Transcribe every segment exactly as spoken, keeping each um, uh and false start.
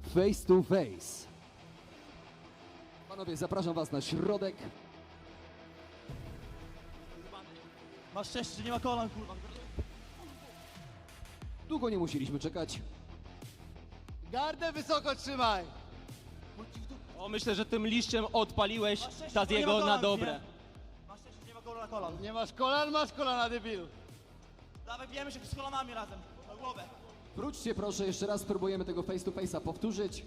face to face. Panowie, zapraszam was na środek. Masz szczęście, że nie ma kolan, kurwa. Długo nie musieliśmy czekać. Gardę wysoko trzymaj! O, myślę, że tym liściem odpaliłeś Masz szczęście, że nie Taziego ma na kolan, dobre. nie? Masz szczęście, że nie ma kolan na kolan. Nie masz kolan, masz kolana, debilu! Dawaj, bijemy się z kolanami razem, na głowę. Wróćcie proszę, jeszcze raz spróbujemy tego face to face'a powtórzyć.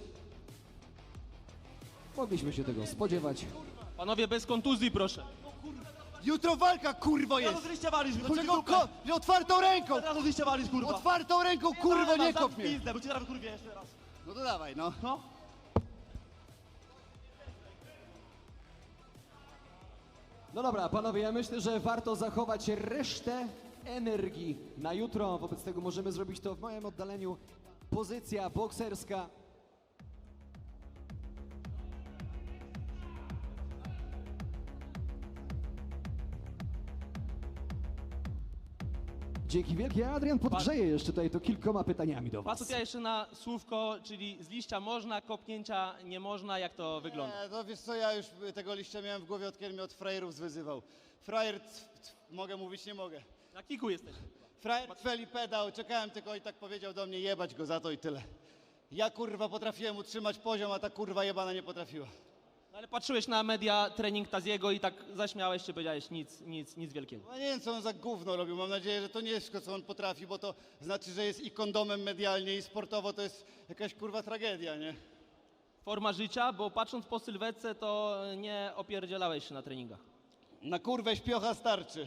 Mogliśmy się tego spodziewać. Panowie, bez kontuzji, proszę. Jutro walka, kurwo, Od razu jest! z liścia walisz, Do chodź czego dupę. ko... Otwartą ręką! Od razu z liścia walisz, kurwa. Otwartą ręką, kurwo, nie kop mnie! Pizdę, bo cię teraz kurwie jeszcze raz. No to dawaj, no. No. No dobra, panowie, ja myślę, że warto zachować resztę energii na jutro. Wobec tego możemy zrobić to w moim oddaleniu. Pozycja bokserska. Dzięki wielkie. Adrian podgrzeje jeszcze tutaj to kilkoma pytaniami do was. Pasut, ja jeszcze na słówko, czyli z liścia można, kopnięcia nie można, jak to wygląda? Nie, no wiesz co, ja już tego liścia miałem w głowie, od kiedy mnie od frajerów zwyzywał. Frajer, c- c- mogę mówić, nie mogę. Na kiku jesteś. Frajer cweli pedał, czekałem tylko i tak powiedział do mnie, jebać go za to i tyle. Ja kurwa potrafiłem utrzymać poziom, a ta kurwa jebana nie potrafiła. No, ale patrzyłeś na media trening Taziego i tak zaśmiałeś się, powiedziałeś nic, nic, nic wielkiego. No nie wiem, co on za gówno robił. Mam nadzieję, że to nie jest wszystko, co on potrafi, bo to znaczy, że jest i kondomem medialnie, i sportowo to jest jakaś kurwa tragedia, nie? Forma życia, bo patrząc po sylwetce, to nie opierdzielałeś się na treningach. Na kurwę śpiocha starczy.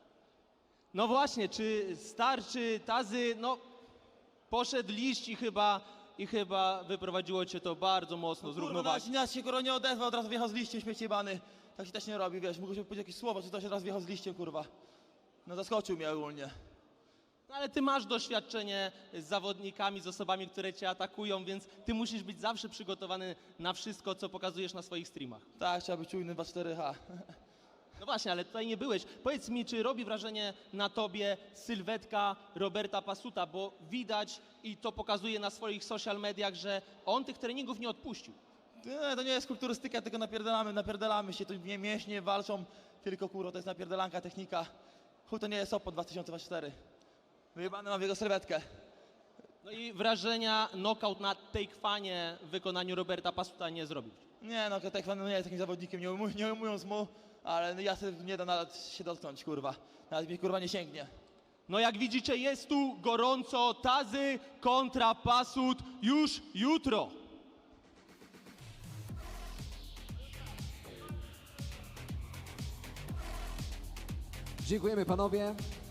No właśnie, czy starczy Tazy, no poszedł liść i chyba, i chyba wyprowadziło cię to bardzo mocno z Kurwa, równowagi. nas się kurwa nie odezwał, od razu wjechał z liściem, śmieci jebany. Tak się też nie robi, wiesz, mógł się powiedzieć jakieś słowo, czy to się od razu wjechał z liściem, kurwa. No zaskoczył mnie ogólnie. No, ale ty masz doświadczenie z zawodnikami, z osobami, które cię atakują, więc ty musisz być zawsze przygotowany na wszystko, co pokazujesz na swoich streamach. Tak, trzeba być czujny dwa cztery H. No właśnie, ale tutaj nie byłeś. Powiedz mi, czy robi wrażenie na tobie sylwetka Roberta Pasuta, bo widać i to pokazuje na swoich social mediach, że on tych treningów nie odpuścił. Nie, to nie jest kulturystyka, tylko napierdalamy, napierdalamy się, tu nie mięśnie walczą, tylko kurwa, to jest napierdalanka, technika. Chuj, to nie jest Oppo dwa tysiące dwudziesty czwarty. Wyjebany mam w jego sylwetkę. No i wrażenia knockout na Taekwanie w wykonaniu Roberta Pasuta nie zrobił. Nie no, Tekwan no, nie jest takim zawodnikiem, nie, umuj, nie umówiąc mu, ale ja sobie nie da nawet się dotknąć, kurwa. Nawet mi kurwa nie sięgnie. No jak widzicie, jest tu gorąco. Tazy kontra Pasut już jutro. Dziękujemy panowie.